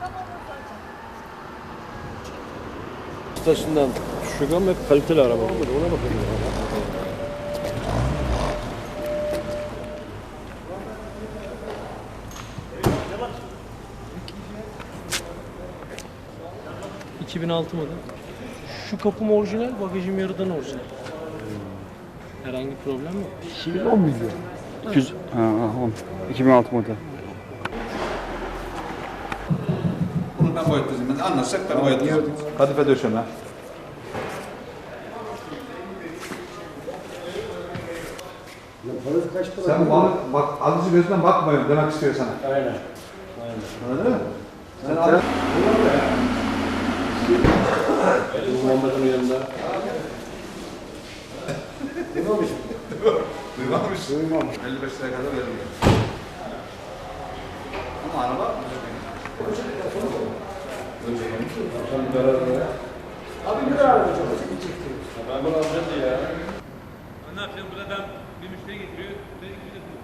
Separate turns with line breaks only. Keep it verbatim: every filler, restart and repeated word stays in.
Ustasından düşük ama hep kaliteli araba. Ona bakın.
iki bin altı model. Şu kapım orijinal, bagajım yarıdan orijinal. Herhangi bir problem yok.
iki bin on milyon.
iki yüz, ha, on. iki bin altı model.
Bunu ben boyatlayacağım. Ben anlatsak ben boyatlayacağım. Kadife döşeme. Sen bana bak alıcı gözünden bakmıyorum demek istiyor sana.
Aynen. Aynen.
Anladın mı? Sen al.
Bu Muhammed'in yanında.
Duymamış. Duymamış. Duymamış. elli beş liraya kadar veririm. Ama araba
Abi bir daha arayacağım. Ben bunu alacağım ya.
Ne yapacağım? Burada ben bir müşteri getiriyor.